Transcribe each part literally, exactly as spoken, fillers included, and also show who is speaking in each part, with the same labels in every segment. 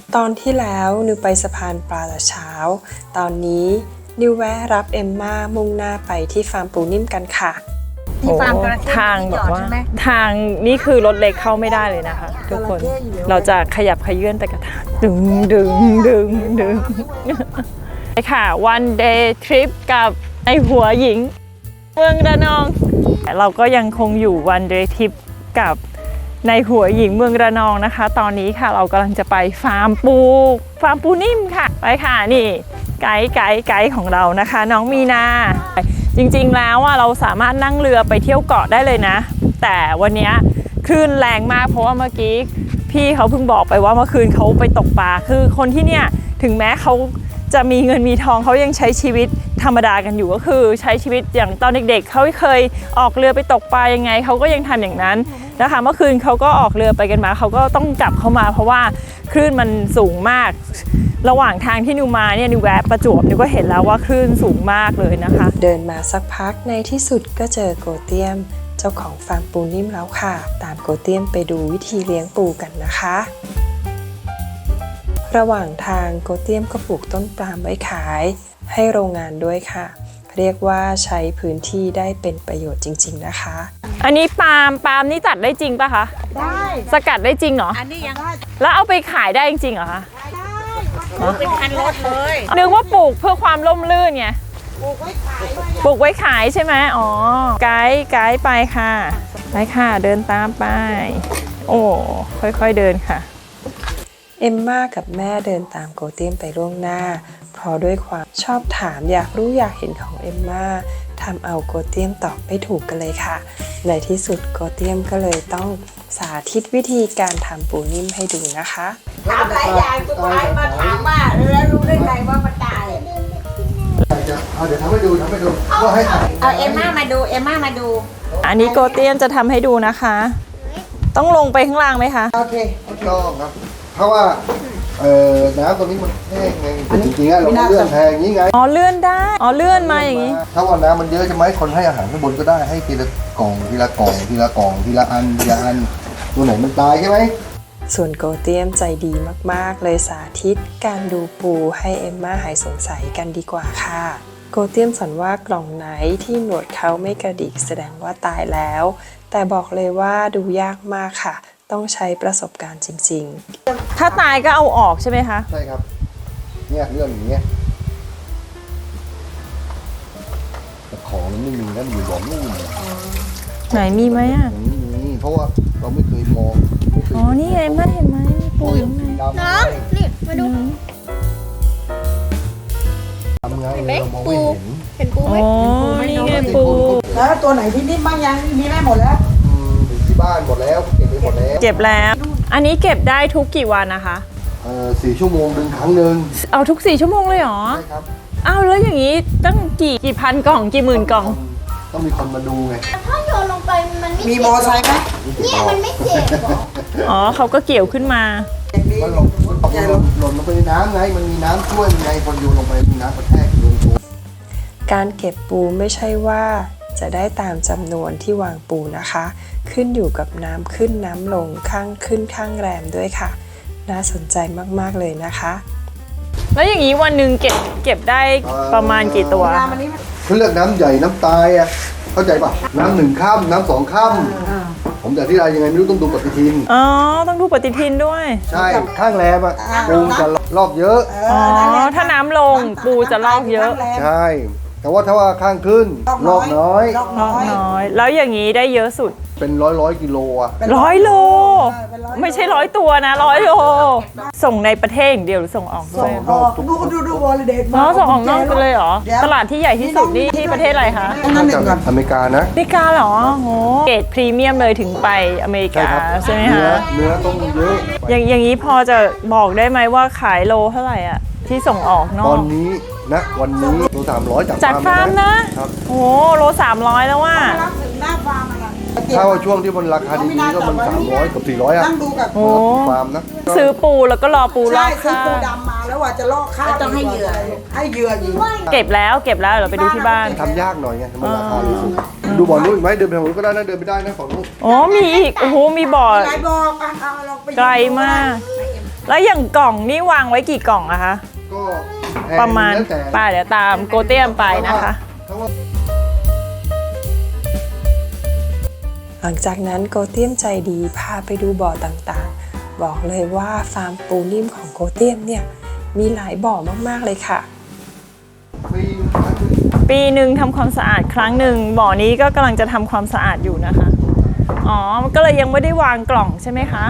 Speaker 1: ตอนที่แล้วนิวไปสะพานปลาแต่เช้าตอนนี้นิวแวะรับเอมม่ามุ่งหน้าไปที่ฟาร์มปูนิ่มกันค่ะ
Speaker 2: ที่ฟาร์มจระเข้ทางแบบว่าทางนี่คือรถเล็กเข้าไม่ได้เลยนะคะทุกคนเราจะขยับขยื่นแต่กระถางดึงดึงดึงดึงไปค่ะ one day trip กับไอหัวหญิงเมืองระนองเราก็ยังคงอยู่ one day trip กับในหัวหญิงเมืองระนองนะคะตอนนี้ค่ะเรากำลังจะไปฟาร์มปูฟาร์มปูนิ่มค่ะไปค่ะนี่ไกด์ไกด์ไกด์ของเรานะคะน้องมีนาจริงๆแล้วอ่ะเราสามารถนั่งเรือไปเที่ยวเกาะได้เลยนะแต่วันนี้คลื่นแรงมากเพราะว่าเมื่อกี้พี่เขาเพิ่งบอกไปว่าเมื่อคืนเขาไปตกปลาคือคนที่เนี่ยถึงแม้เขาจะมีเงินมีทองเขายังใช้ชีวิตธรรมดากันอยู่ก็คือใช้ชีวิตอย่างตอนเด็กๆเขาเคยออกเรือไปตกปลายังไงเขาก็ยังทำอย่างนั้นนะคะเมื่อคืนเขาก็ออกเรือไปกันมาเขาก็ต้องกลับเข้ามาเพราะว่าคลื่นมันสูงมากระหว่างทางที่นิวมาเนี่ยนิวแวะประจวบนิวก็เห็นแล้วว่าคลื่นสูงมากเลยนะคะ
Speaker 1: เดินมาสักพักในที่สุดก็เจอโกเตียมเจ้าของฟาร์มปูนิ่มแล้วค่ะตามโกเตียมไปดูวิธีเลี้ยงปูกันนะคะระหว่างทางโกเตียมก็ปลูกต้นปาล์มไว้ขายให้โรงงานด้วยค่ะเรียกว่าใช้พื้นที่ได้เป็นประโยชน์จริงๆนะคะ
Speaker 2: อันนี้ปาล์มปาล์มนี่ตัดได้จริงป่ะคะ
Speaker 3: ได้
Speaker 2: สกัดได้จริงเหรอ
Speaker 3: อันนี้ยัง
Speaker 2: แล้วเอาไปขายได้จริงเหรอคะ
Speaker 3: ได้เป็นคันรถเลย
Speaker 2: นึกว่าปลูกเพื่อความร่มรื่นไง
Speaker 3: ปลูกไว้ขาย
Speaker 2: ปลูกไว้ขายใช่ไหมอ๋อไกด์ไกด์ไปค่ะไปค่ะเดินตามไปโอ้ค่อยๆเดินค่ะ
Speaker 1: เอมม่ากับแม่เดินตามโกเตียมไปล่วงหน้าเพราะด้วยความชอบถามอยากรู้อยากเห็นของเอมม่าทำเอาโกเตียมตอบไม่ถูกกันเลยค่ะในที่สุดโกเตียมก็เลยต้องสาธิตวิธีการทำปูนิ่มให้ดูนะคะ
Speaker 3: ถามหลายอย่างสุดท้ายมาถามว่าแล้วรู้ได้ไงว่ามันตาย
Speaker 4: เอาเดี๋ยวทำให้ดูทำให้ดูว่าให้
Speaker 3: เอาเอมม่ามาดูเอมม่ามาดู
Speaker 2: อันนี้โกเตียมจะทำให้ดูนะคะต้องลงไปข้างล่างไหมคะ
Speaker 3: โอเค
Speaker 4: ต้องครับเพราะว่าเอ่อน้ำตรงนี้มันแห้งไงจริงๆเราเลื่อนแทงอย่างนี้ไง
Speaker 2: อ๋อเลื่อนได้อ๋อเลื่อนมาอย่างนี้
Speaker 4: ถ้าว่าน้ำมันเยอะจะไหมคนให้อาหารข้างบนก็ได้ให้ทีละกล่องทีละกล่องทีละกล่องทีละอันทีละอันตัวไหนมันตายใช่ไหม
Speaker 1: ส่วนโกเตียมใจดีมากๆเลยสาธิตการดูปูให้เอมม่าหายสงสัยกันดีกว่าค่ะโกเตียมสอนว่ากล่องไหนที่หนวดเขาไม่กระดิกแสดงว่าตายแล้วแต่บอกเลยว่าดูยากมากค่ะต้องใช้ประสบการณ์จริง
Speaker 2: ๆถ้าตายก็เอาออกใช่ไหมคะ
Speaker 4: ใช่ครับเนี่ยเรื่องอย่างเงี้ยแต่ของมันไม่มีนะอยู่บ่อนู่น
Speaker 2: ไหนมีไหมอ่ะ
Speaker 4: นี่เพราะว่าเราไม่เคยมอง
Speaker 2: อ๋อนี่ไงแม่เห็นไหมมีปูอยู่ไหน
Speaker 3: น้องนี่มาดู
Speaker 4: ทำไงเรามองไม่เห็น
Speaker 3: เห็นปูไหม
Speaker 2: อ๋อนี่ไงปู
Speaker 3: แล้วตัวไหนที่นิ่มบ้างยังมีแม่หมดแล้ว
Speaker 4: ที่บ้านหมดแล้วเก็บไปหมดแล้ว
Speaker 2: เก็บแล้วอันนี้เก็บได้ทุกกี่วันนะคะ
Speaker 4: เออสี่ชั่วโมงดึงครั้งหนึ่ง
Speaker 2: เอาทุกสี่ชั่วโมงเลยเหรอ
Speaker 4: ใช่ครับ
Speaker 2: อ้าวแล้วอย่างนี้ตั้งกี่กี่พันกล่องกี่หมื่นกล่อง
Speaker 4: ต้องมีคนมาดูไง
Speaker 5: ถ้าโยนลงไปมันไม่
Speaker 3: มีมอไซค์ไหม
Speaker 5: เนี่ยมันไม่เจ็บ
Speaker 2: อ๋อเขาก็เกี่ยวขึ้นมา
Speaker 4: มันหล่นหล่นหล่นลงไปในน้ำไงมันมีน้ำช่วยไงคนโยนลงไปมีน้ำกระแทกโดนตัว
Speaker 1: การเก็บปูไม่ใช่ว่าจะได้ตามจำนวนที่วางปูนะคะขึ้นอยู่กับน้ำขึ้นน้ำลงข้างขึ้นข้างแรมด้วยค่ะน่าสนใจมากๆเลยนะคะ
Speaker 2: แล้วอย่างนี้วันหนึ่งเก็บเก็บได้ประมาณกี่ตัว
Speaker 4: เขาเลือกน้ำใหญ่น้ำตายอ่ะเข้าใจป่ะน้ำหนึ่งค่ำน้ำสองค่ำผมจะที่ไรยังไงไม่รู้ต้องดูปฏิทิน
Speaker 2: อ๋อต้องดูปฏิทินด้วย
Speaker 4: ใช่ข้างแรมอ่ะปูจะลอกเยอะ
Speaker 2: อ๋อถ้าน้ำลงปูจะลอกเยอะ
Speaker 4: ใช่แต่ว่าถ้าว่าข้างขึ้นลอกน้อย
Speaker 2: ลอกน้อยแล้วอย่างนี้ได้เยอะสุด
Speaker 4: เป็นร้อยร้อยกิโลอ่ะ
Speaker 2: ร้อยโลไม่ใช่ร้อยตัวนะร้อยโลส่งในประเทศอย่างเดียวหรือส่งออกด้วย
Speaker 3: ดูดูดูวอลเดต
Speaker 2: อ๋อส่งออกนอกไปเลยเหรอตลาดที่ใหญ่ที่สุดนี่ที่ประเทศอะไรคะ
Speaker 4: อเมริกานะ
Speaker 2: อเมริกาเหรอโหเกรดพรีเมียมเลยถึงไปอเมริกาใช่ไหมคะ
Speaker 4: เนื้อต้องเยอะ
Speaker 2: อย่างอย่างนี้พอจะบอกได้ไหมว่าขายโลเท่าไหร่อ่ะที่ส่งออกนอก
Speaker 4: ตอนนี้นะวันนี้โลสามร้อย
Speaker 2: จากฟาร์มนะโอ้โลสามร้อยแล้วว่า
Speaker 4: ถ้าว่าช่วงที่มันราคาดีๆก็มันสามร้อยกับสี่ร้อยอ่ะ
Speaker 2: โอ้
Speaker 4: ฟาร์มนะ
Speaker 2: ซื้อปูแล้วก็รอปูลอก
Speaker 3: ข้าวซื้อปูดำมาแล้วว่าจะลอกข้าวต้องให้เหยื่อให้เหยื่อยิง
Speaker 2: เก็บแล้วเก็บแล้วเราไปดูที่บ้าน
Speaker 4: ทำยากหน่อยไงมันราคาสูงดูบ่อนู้นอีกไหมเดินไปทางนู้นก็ได้นะเดินไปได้นะฝั่งนู้น
Speaker 2: อ๋อมีอีกโอ้โหมีบ่อ
Speaker 3: ไกลบอก
Speaker 2: ไกลมากแล้วอย่างกล่องนี่วางไว้กี่กล่องอะคะ
Speaker 4: ก็แพง
Speaker 2: ประมาณ
Speaker 4: แล้วแต่
Speaker 2: ไปเดี๋ยวตามโกเตียมไปนะคะ
Speaker 4: เพราะว่า
Speaker 1: หลังจากนั้นโกเตียมใจดีพาไปดูบ่อต่างๆ บอกเลยว่าฟาร์มปูนิ่มของโกเตียมเนี่ยมีหลายบ่อมากๆเลยค่ะ
Speaker 4: ปีครั้งหนึ่ง
Speaker 2: ปีหนึ่งทำความสะอาดครั้งหนึ่งบ่อนี้ก็กำลังจะทำความสะอาดอยู่นะคะ อ๋อ ก็เลยยังไม่ได้วางกล่องใช่ไหมคะ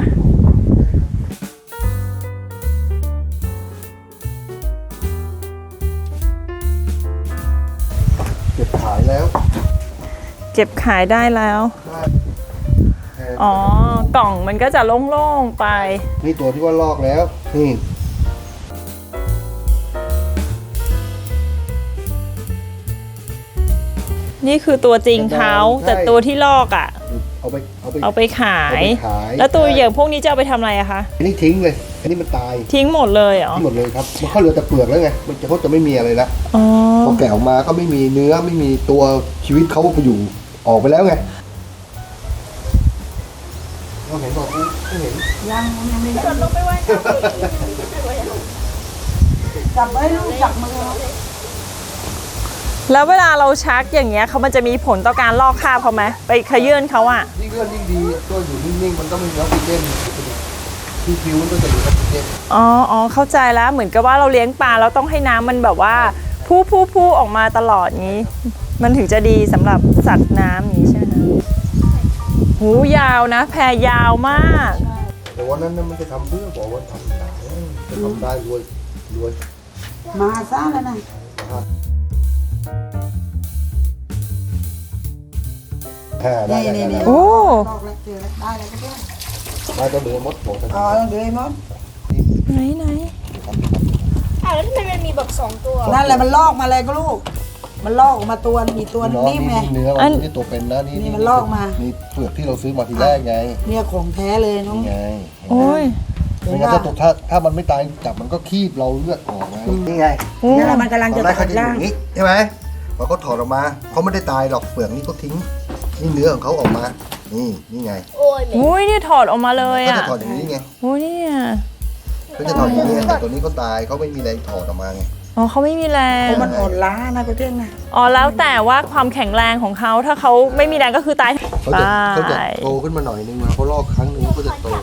Speaker 4: เก็บขายแล้ว
Speaker 2: เก็บขายได้แล้ว
Speaker 4: ได้แพง
Speaker 2: อ๋อ กล่องมันก็จะโล่งๆไป
Speaker 4: นี่ตัวที่ว่าลอกแล้วนี่
Speaker 2: นี่คือตัวจริงเขาแต่ตัวที่ลอกอ่ะ
Speaker 4: เอาไปเอาไป
Speaker 2: เอาไปขาย
Speaker 4: เอาไปขาย
Speaker 2: แล้วตัวอย่างพวกนี้จะเอาไปทำอะไรอะคะ
Speaker 4: อันนี้ทิ้งเลย อันนี้มันตาย
Speaker 2: ทิ้งหมดเลยเหรอ
Speaker 4: ทิ้งหมดเลยครับมันก็เหลือแต่เปลือกแล้วไงมันจะเขาจะไม่มีอะไรละ
Speaker 2: อ๋อ
Speaker 4: พอแกะออกมาก็ไม่มีเนื้อไม่มีตัวชีวิตเขาไปอยู่ออกไปแล้วไงเราเห็นบอกไม่เห็น
Speaker 3: ยังยังไม่ได้ลงไปไว้จับไว้ลูกจับมือ
Speaker 2: แล้วเวลาเราชักอย่างเงี้ยเขามันจะมีผลต่อการลอกคราบเขาไหมไปขยื่นเขาอะ
Speaker 4: ยิ่งเลื่อนยิ่งดีก็อยู่นิ่งๆมันต้องมีออกซิเจนที่ผิวมันก็จะมีออกซิเจน
Speaker 2: อ๋ออ๋อเข้าใจแล้วเหมือนกับว่าเราเลี้ยงปลาเราต้องให้น้ำมันแบบว่าพู้พู้พู้ออกมาตลอดงี้ มันถึงจะดีสำหรับสัตว์น้ำอย่างนี้ใช่ไหมคะหูยาวนะ แพรยาวมาก
Speaker 4: แต่วันนั้นน่ะมันจะทำเพื่อบอกว่าทำได้จะทำได้รวยรวย
Speaker 3: มาซะแล้วนะ
Speaker 4: อ่าได้ได้ได้ได้
Speaker 2: โอ้
Speaker 3: ลอกแล้วเจอแล้วได้แล้วก็ได้
Speaker 4: ได้ก็เหลือมดหัว
Speaker 3: อ๋อเดี๋ยวไอ้มด
Speaker 2: ไหนไหน
Speaker 5: อ้าวแล้วทำไมมันมีบอกสองตัว
Speaker 3: นั่นแหละมันลอกมาเลยก็ลูก มันลอกออกมาตัวมีตัวนิ่มไง
Speaker 4: เนื้อมันนี่ตัวเป็นนะนี่
Speaker 3: นี่มันลอกมา
Speaker 4: นี่เปลือกที่เราซื้อมาทีแรกไง
Speaker 3: เนี่ยของแท้เลยน้อง
Speaker 4: นี่ไง
Speaker 2: โอ้ย
Speaker 4: ไม่งั้นถ้าตกถ้าถ้ามันไม่ตายจับมันก็คีบเราเลือดออกไงนี่ไง
Speaker 3: นี่แหละมันกำลัง
Speaker 4: ตอ
Speaker 3: จะ
Speaker 4: นแรก
Speaker 3: ตั
Speaker 4: เขา
Speaker 3: ด
Speaker 4: จะอยู่
Speaker 3: ร่าง
Speaker 4: อย่างนี้ใช่ไหมพอเขาถอดออกมาเขาไม่ได้ตายหรอกเปลือกนี่ก็ทิ้งนี่เนื้อของเขาออกมา นี่นี่ไง
Speaker 5: โอ้ยเหม็น
Speaker 2: อุ้ยเนี่ยถอดออกมาเลย
Speaker 4: เขา
Speaker 2: อ่ะ
Speaker 4: จะถอดอย่างนี้ไง
Speaker 2: โอ้ยเนี่ย
Speaker 4: เขาจะถอดอย่างนี้แต่ตัวนี้เขาตายเขาไม่มีแรงถอดออกมาไง
Speaker 2: อ๋อเขาไม่มีแรง
Speaker 3: มันอ่อนล้านะก็เท่งนะ
Speaker 2: อ๋อแล้วแต่ว่าความแข็งแรงของเขาถ้าเขาไม่มีแรงก็คือตาย
Speaker 4: เขาจะเขาจะโตขึ้นมาหน่อยนึงมาเขาลอกครั้งหนึงเขาจะโต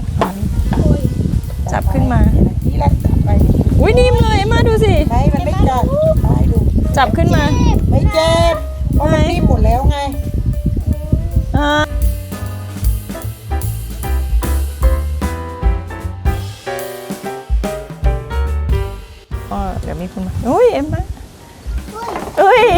Speaker 2: จับขึ้นมา
Speaker 3: นี่แหละจับไป
Speaker 2: อุ้ยนิ่มเลยมาดูสิ
Speaker 3: ไม่มันไม่จับไปดู
Speaker 2: จับขึ้นมา
Speaker 3: ไม่เจ็บเพราะมันนิ่มหมดแล้วไง
Speaker 2: อ่าอ๋อเดี๋ยวมีคนมาอุ้ยเอ็มมาอุ้ย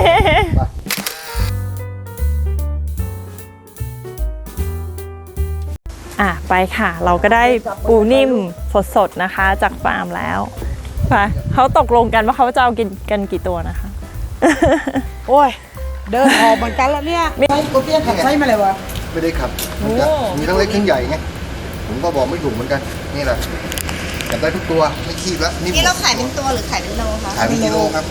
Speaker 2: อ่ะไปค่ะ เราก็ได้ปูนิ่มสดๆนะคะ จากฟาร์มแล้วไปเขาตกลงกันว่าเขาจะเอากินกันกี่ตัวนะคะ
Speaker 3: โอ้ยเดินออกเหมือนกันแล้วเนี่ยไส้กูเตี้ยขับไส้มาเลยวะ
Speaker 4: ไม่ได้ขับมันจะมีทั้งเล็กทั้งใหญ่ไงผมก็บอกไม่ถูกเหมือนกันนี่แหละจับได้ทุกตัวไม่คีบแล้วนี่
Speaker 5: นี่เราขายเป็นตัวหรือขายเป็นโลคะ
Speaker 4: ขายเป็นกิโลครับ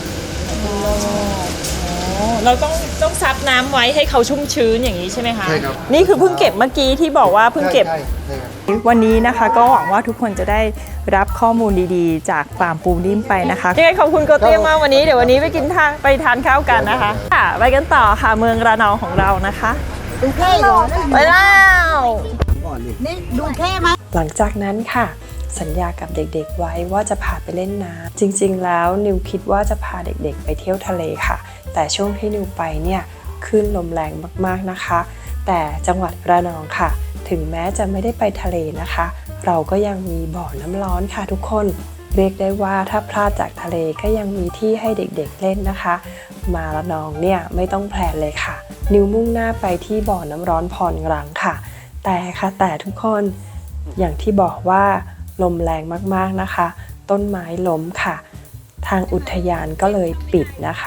Speaker 2: เราต้องต้องซับน้ำไว้ให้เขาชุ่มชื้นอย่างนี้ใช่ไหมคะ
Speaker 4: ใช่ครับ
Speaker 2: นี่คือเพิ่งเก็บเมื่อกี้ที่บอกว่าเพิ่งเก็บ
Speaker 4: ใช่ใช่ครับ
Speaker 2: วันนี้นะคะก็หวังว่าทุกคนจะได้รับข้อมูลดีๆ จากฟาร์มปูนิ่มไปนะคะยังไงขอบคุณโกเตียมมากวันนี้เดี๋ยววันนี้ไปกินทางไปทานข้าวกันนะคะค่ะไปกันต่อค่ะเมืองระนองของเรานะคะ
Speaker 3: ดูแค่เหรอ
Speaker 2: ไปแล้ว
Speaker 3: นี่ดูแค่ไหม
Speaker 1: หลังจากนั้นค่ะ สัญญากับเด็กๆไว้ว่าจะพาไปเล่นน้ำจริงๆแล้วนิวคิดว่าจะพาเด็กๆไปเที่ยวทะเลค่ะ แต่ช่วงที่นิวไปเนี่ยคลื่นลมแรงมากๆนะคะ แต่จังหวัดระนองค่ะ ถึงแม้จะไม่ได้ไปทะเลนะคะ เราก็ยังมีบ่อน้ำร้อนค่ะทุกคนเรียกได้ว่าถ้าพลาดจากทะเลก็ยังมีที่ให้เด็กๆเล่นนะคะ มาระนองเนี่ยไม่ต้องแพลนเลยค่ะ นิวมุ่งหน้าไปที่บ่อน้ำร้อนพรกรังค่ะ แต่ค่ะแต่ทุกคนอย่างที่บอกว่าลมแรงมากๆนะคะ ต้นไม้ล้มค่ะ ทางอุทยานก็เลยปิดนะคะ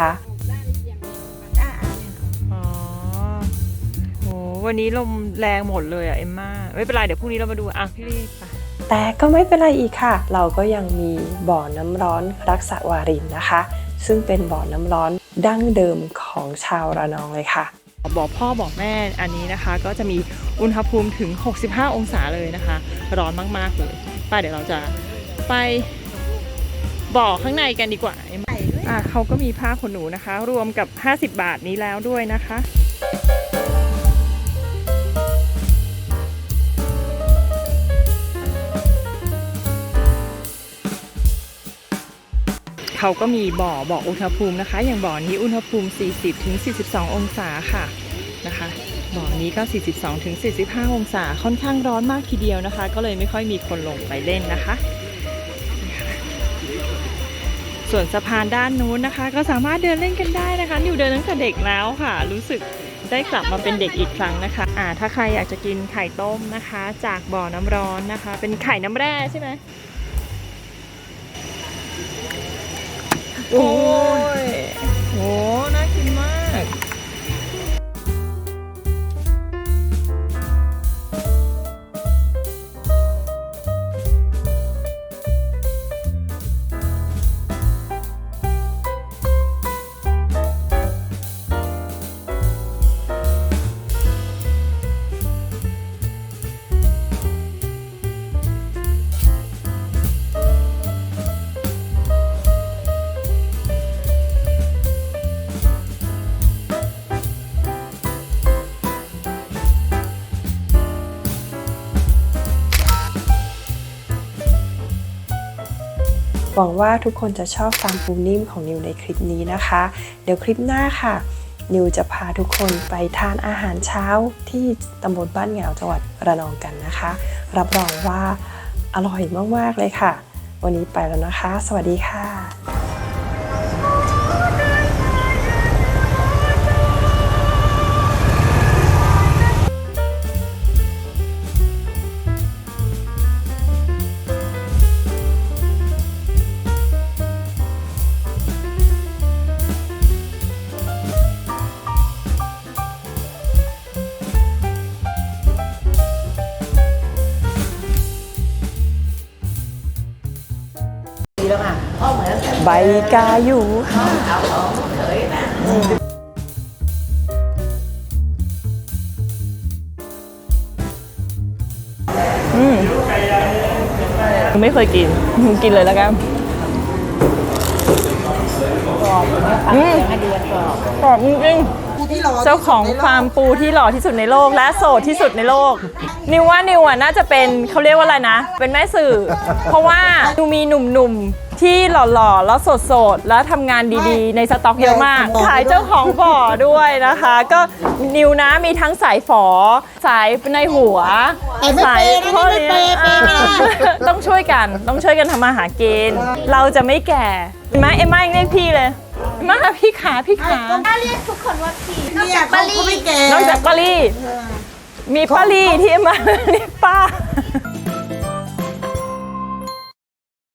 Speaker 2: อ๋อโหวันนี้ลมแรงหมดเลยอ่ะเอ็มม่าไม่เป็นไรเดี๋ยวพรุ่งนี้เรามาดูอ่ะพี่รีบไป
Speaker 1: แต่ก็ไม่เป็นไรอีกค่ะ เราก็ยังมีบ่อน้ำร้อนรักษาวารินนะคะ ซึ่งเป็นบ่อน้ำร้อนดั้งเดิมของชาวระนองเลยค่ะ
Speaker 2: บอกพ่อบอกแม่อันนี้นะคะ ก็จะมีอุณหภูมิถึงหกสิบห้าองศาเลยนะคะ ร้อนมากๆเลยไปเดี๋ยวเราจะไปบ่อข้างในกันดีกว่าอ่ะเขาก็มีผ้าขนหนูนะคะ รวมกับห้าสิบบาทนี้แล้วด้วยนะคะเขาก็มีบ่อบอกอุณหภูมินะคะอย่างบ่อนี้อุณหภูมิ สี่สิบถึงสี่สิบสอง องศาค่ะนะคะบ่อนี้ก็ สี่สิบสองถึงสี่สิบห้า องศาค่อนข้างร้อนมากทีเดียวนะคะก็เลยไม่ค่อยมีคนลงไปเล่นนะคะส่วนสะพานด้านนู้นนะคะก็สามารถเดินเล่นกันได้นะคะนิวเดินตั้งแต่เด็กแล้วค่ะรู้สึกได้กลับมาเป็นเด็กอีกครั้งนะคะอ่าถ้าใครอยากจะกินไข่ต้มนะคะจากบ่อน้ำร้อนนะคะเป็นไข่น้ำแร่ใช่ไหมโอ้ยโหน่ากินมาก
Speaker 1: หวังว่าทุกคนจะชอบฟาร์มปูนิ่มของนิวในคลิปนี้นะคะ เดี๋ยวคลิปหน้าค่ะนิวจะพาทุกคนไปทานอาหารเช้าที่ตำบลบ้านเหงาจังหวัดระนองกันนะคะ รับรองว่าอร่อยมากๆเลยค่ะวันนี้ไปแล้วนะคะ สวัสดีค่ะใบกาอยู่ค่ะ
Speaker 2: อืมไม่เคยกินกินเลยแล้วกันอืมกรอบจริงๆเจ้าของฟาร์มปูที่หล่อที่สุดในโลกและโสดที่สุดในโลกนิวว่านิวอ่ะน่าจะเป็นเขาเรียกว่าอะไรนะเป็นแม่สื่อเพราะว่านิวมีหนุ่มๆที่หล่อๆแล้วโสดๆแล้วทำงานดีๆในสต็อกเยอะมากขายเจ้าของบ่อด้วยนะคะก็นิวนะมีทั้งสายฝอสายในหัวสายพ่อเลี้ยงต้องช่วยกันต้องช่วยกันทำมาหากินเราจะไม่แก่เอ็มม่าเอ็มม่ายังเรียกพี่เลยมาพี่ขาพี่ขา
Speaker 5: ถ้าเรียกทุกคนว่าพี่
Speaker 3: เนี่ยเขาก็ไม่แก่
Speaker 2: นอกจากป้าลี่มีป้าลี่ที่มาเรียกป้า